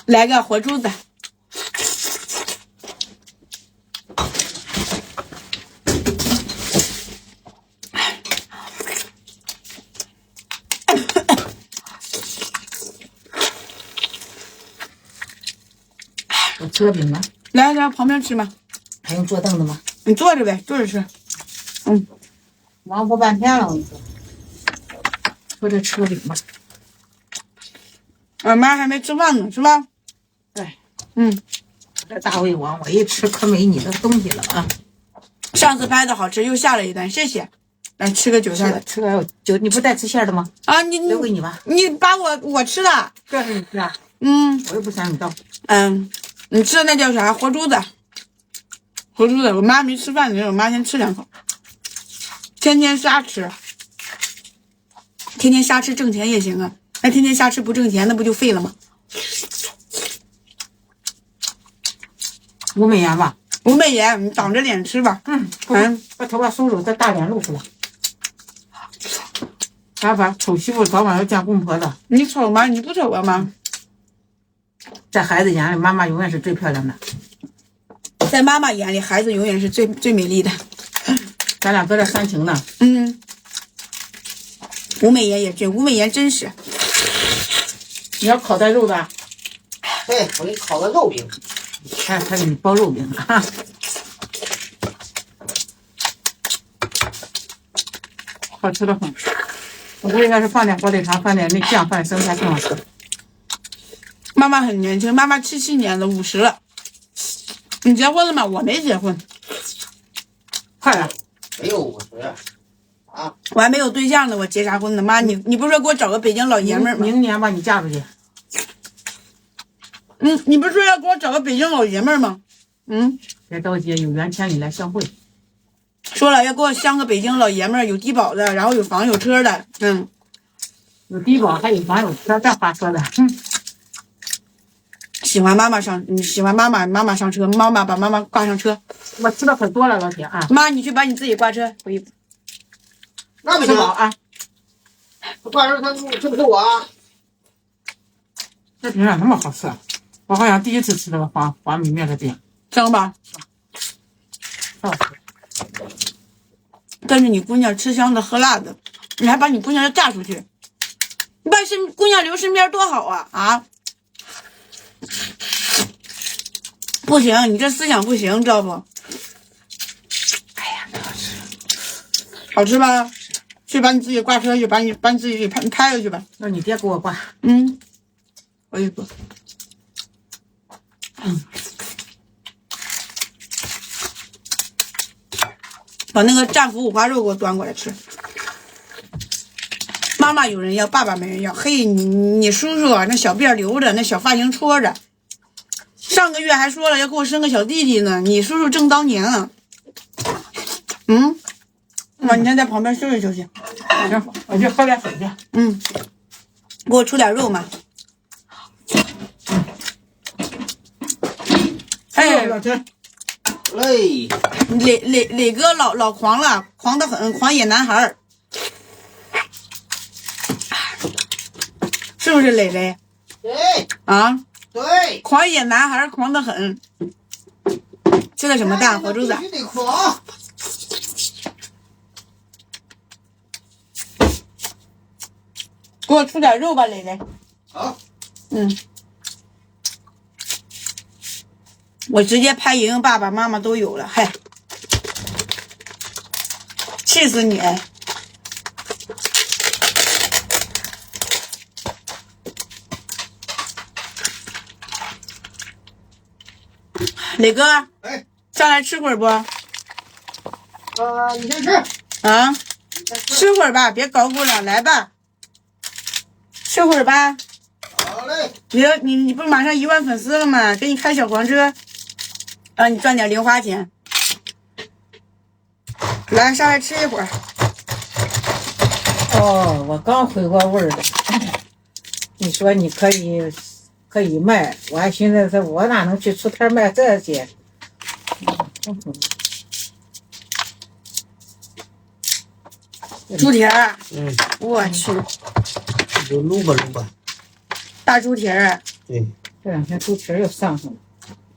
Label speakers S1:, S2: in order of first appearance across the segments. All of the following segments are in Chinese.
S1: 来个活珠子。
S2: 我吃个饼吧。
S1: 来，旁边吃嘛。
S2: 还用坐凳子吗？
S1: 你坐着呗，坐着吃。
S2: 忙活半天了，我跟你说。我这吃个饼吧。
S1: 俺妈还没吃饭呢，是吧？
S2: 对。
S1: 这
S2: 大胃王，我一吃可没你的东西了啊！
S1: 上次拍的好吃，又下了一单，谢谢。来吃个韭菜的，
S2: 吃个韭，你不带吃馅的吗？
S1: 啊，你
S2: 留给你吧。
S1: 你把我吃的，
S2: 这是你吃啊？我又不想你倒。
S1: 你吃的那叫啥？活珠子。活珠子，我妈没吃饭呢，我妈先吃2口。天天瞎吃，天天瞎吃挣钱也行啊。那天天瞎吃不挣钱，那不就废了吗？
S2: 5美元吧。
S1: 5美元，你挡着脸吃吧。
S2: 把头发收收，这大脸露出来。啥法？丑媳妇早晚要见公婆的。
S1: 你丑吗？你不丑啊吗？
S2: 在孩子眼里，妈妈永远是最漂亮的。
S1: 在妈妈眼里，孩子永远是最美丽的。
S2: 咱俩搁这煽情呢。
S1: 5美元也真，5美元真实。
S2: 你要烤带肉的？
S3: 对，我给你烤个肉饼。
S2: 他给你包肉饼啊。好吃的很。我估计要是放点火腿肠，放点那酱，放点生菜更好吃。
S1: 妈妈很年轻，妈妈77年了，50了。你结婚了吗？我没结婚。
S2: 快了。
S3: 没有50。啊，
S1: 我还没有对象呢，我结啥婚呢？妈，你不是说给我找个北京老爷们儿吗？
S2: 明年吧，你嫁出去。
S1: 你不是说要给我找个北京老爷们儿吗？
S2: 别着急，有缘千里来相会。
S1: 说了要给我相个北京老爷们儿，有低保的，然后有房有车的。
S2: 有低保还有房有车，这话说的。
S1: 喜欢妈妈上车，妈妈把妈妈挂上车。
S2: 我吃的可多了，老铁啊！
S1: 妈，你去把你自己挂车回去。
S3: 那不行
S2: 啊！
S3: 挂上他吃不吃我啊？
S2: 这饼咋那么好吃啊？我好像第一次吃这个黄米面的饼。
S1: 香吧？
S2: 好吃。
S1: 但是你姑娘吃香的喝辣的，你还把你姑娘嫁出去，你把姑娘留身边多好啊！不行，你这思想不行，知道不？
S2: 哎呀，好吃，
S1: 好吃吧？去把你自己挂车去，把你自己给开了去吧。
S2: 让你爹给我挂。
S1: 我也不。把那个战斧五花肉给我端过来吃。妈妈有人要，爸爸没人要。嘿，你叔叔那小辫留着，那小发型戳着，上个月还说了要给我生个小弟弟呢。你叔叔正当年啊。妈，你先在旁边休息休息。
S2: 行，我去喝点水去。
S1: 给我出点肉嘛。
S2: 老陈。
S3: 嘞，
S1: 磊哥老狂了，狂得很，狂野男孩。是不是磊磊？
S3: 对。对。
S1: 狂野男孩狂得很。吃的什么蛋？活珠子。
S3: 必须得狂。
S1: 给我出点肉吧，磊磊。
S3: 好。
S1: 我直接拍莹莹爸爸妈妈都有了，嗨，气死你！磊哥，上来吃会儿不？
S3: 你先吃。
S1: 啊，吃会儿吧，别搞咕了，来吧，吃会儿吧。
S3: 好嘞。
S1: 你不是马上1万粉丝了吗？给你开小黄车。让你赚点零花钱，来上来吃一会儿。
S2: 我刚回过味儿的。你说你可以卖，我还寻思我哪能去出摊卖这些？
S1: 猪蹄儿。我去。
S3: 就撸吧撸吧。
S1: 大猪蹄儿。
S3: 对。
S2: 这两天猪蹄儿又上上了。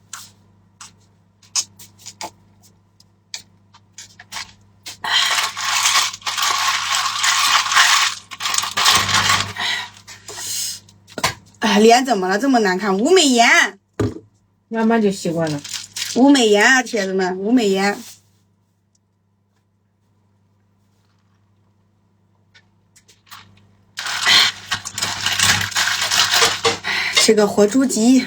S1: 哎，脸怎么了？这么难看？吴美颜，
S2: 慢慢就习惯了。
S1: 吴美颜啊，铁子们，吴美颜。吃个活猪脊。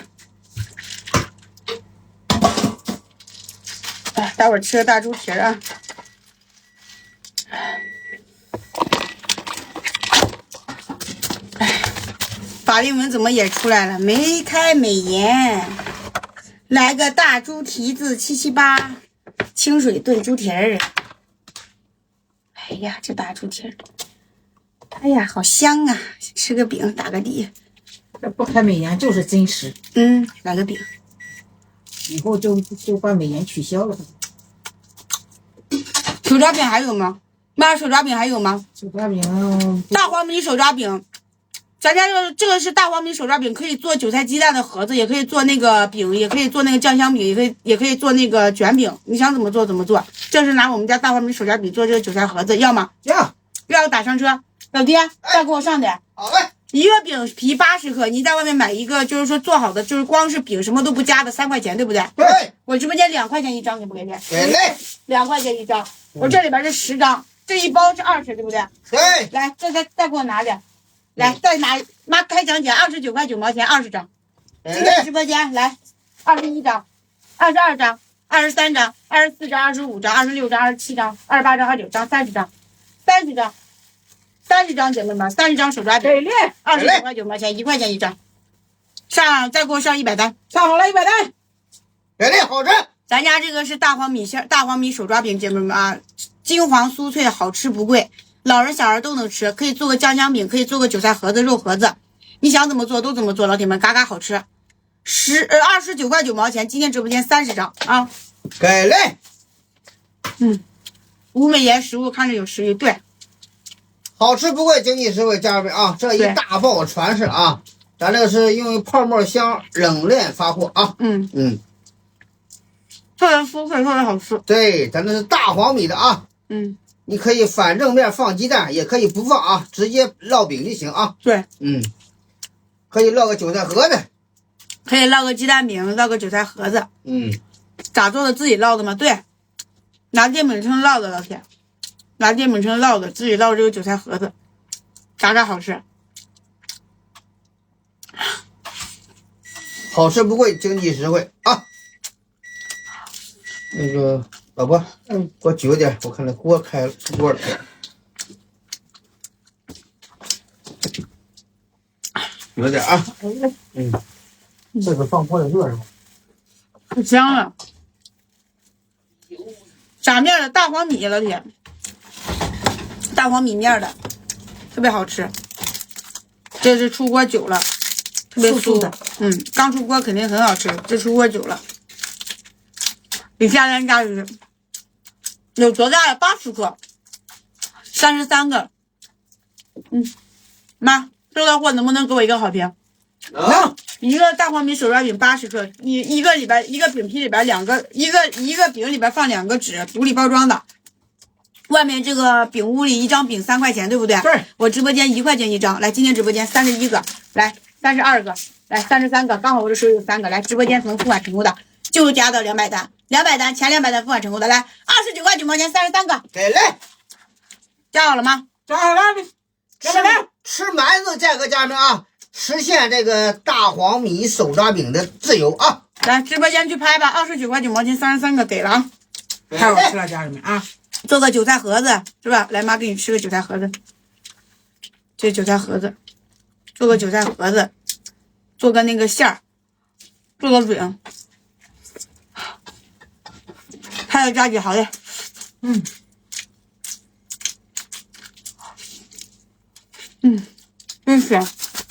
S1: 哎，待会儿吃个大猪蹄儿啊。法令纹怎么也出来了？眉开美颜，来个大猪蹄子778，清水炖猪蹄儿。哎呀，这大猪蹄儿，哎呀，好香啊！吃个饼打个底。
S2: 这不开美颜就是真实。
S1: 来个饼。
S2: 以后就把美颜取消了。
S1: 手抓饼还有吗？妈，手抓饼还有吗？
S2: 手抓饼，
S1: 大黄米手抓饼。咱家这个是大黄米手抓饼，可以做韭菜鸡蛋的盒子，也可以做那个饼，也可以做那个酱香饼，也可以做那个卷饼，你想怎么做怎么做。这是拿我们家大黄米手抓饼做这个韭菜盒子，要吗？要打上车。老爹，再给我上点。
S3: 好嘞。
S1: 一个饼皮80克，你在外面买一个就是说做好的，就是光是饼什么都不加的3块钱，对不对？
S3: 对。
S1: 我直播间2块钱一张，给不给钱？
S3: 给嘞。
S1: 2块钱一张，我这里边是10张，这一包是20，对不对？
S3: 对。
S1: 来，再给我拿点。来，再拿，妈开奖奖29块9毛钱20张，进入直播间来，21张，22张，23张，24张，25张，26张，27张，28张，29张，30张，30张，姐妹们，30张手抓饼，29块9毛钱，1块钱一张，再给我上100单，
S2: 上好了100单，
S3: 给力，好吃。
S1: 咱家这个是大黄米手抓饼，姐妹们啊，金黄酥脆，好吃不贵。老人小孩都能吃，可以做个酱香饼，可以做个韭菜盒子、肉盒子，你想怎么做都怎么做，老铁们，嘎嘎好吃。29块9毛钱，今天直播间30张啊，
S3: 给力。
S1: 吴美颜食物看着有食欲，对，
S3: 好吃不贵，经济实惠，家人们啊，这一大包全是啊，咱这个是用泡沫箱冷链发货啊，
S1: 特别酥脆，特别好吃。
S3: 对，咱这是大黄米的啊，你可以反正面放鸡蛋，也可以不放啊，直接烙饼就行啊。
S1: 对，
S3: 可以烙个韭菜盒子，
S1: 可以烙个鸡蛋饼，烙个韭菜盒子。咋做的？自己烙的吗？对，拿电饼铛烙的，老铁，拿电饼铛烙的，自己烙这个韭菜盒子，嘎嘎好吃。
S3: 好吃不贵，经济实惠啊。那个老婆，给我举个点，我看那锅开了，出锅了。举个点啊。这个放锅里热是吗？
S1: 可香了。炸面的大黄米，老铁，大黄米面的，特别好吃。这是出锅久了，特别酥的。刚出锅肯定很好吃，这出锅久了。比家人家里有多大呀？80克，33个。妈，收到货能不能给我一个好评？
S3: 能。
S1: 一个大黄米手抓饼80克，一个里边一个饼皮里边2个，一个饼里边放2个纸，独立包装的。外面这个饼屋里一张饼3块钱，对不对？
S2: 对。
S1: 我直播间1块钱一张，来，今天直播间31个，来32个，来33个，刚好我这手里有3个，来，直播间能付款成功的就加到200单，200单前200单付款成功的，来29块9毛钱33个，
S3: 给嘞，
S1: 加好了吗？
S2: 加好了，200单，
S3: 吃馒头价格，家人们啊，实现这个大黄米手抓饼的自由啊！
S1: 来，直播间去拍吧，29块9毛钱33个给了啊，
S2: 太好吃了，家人们啊！
S1: 做个韭菜盒子是吧？来，妈给你吃个韭菜盒子，这韭菜盒子，做个韭菜盒子，做个那个馅儿，做个饼，还有加几好嘞，真香。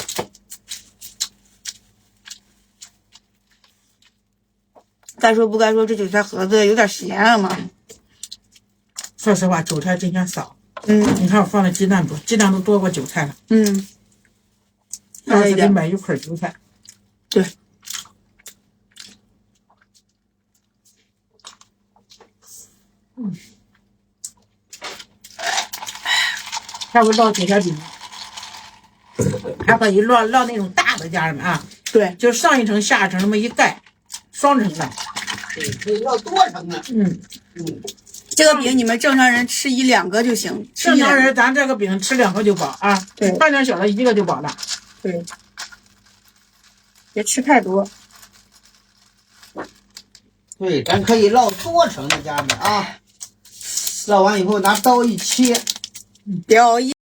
S1: 该说不该说，这韭菜盒子有点咸啊嘛。
S2: 说实话，韭菜真嫌少。你看我放的鸡蛋多，鸡蛋都多过韭菜了。要是得买一捆韭菜。
S1: 对，
S2: 还会烙铁条饼，还可以烙那种大的，家人们啊，
S1: 对，
S2: 就上一层下一层那么一盖，双层的。
S3: 对，可以烙多层的。
S2: 嗯，
S1: 这个饼你们正常人吃1-2个就行，
S2: 正常人咱这个饼吃2个就饱啊，
S1: 对，
S2: 半点小的1个就饱了。
S1: 对，别吃太多。
S3: 对，咱可以烙多层的，家人们啊。烙完以后拿刀一切，
S1: 表一。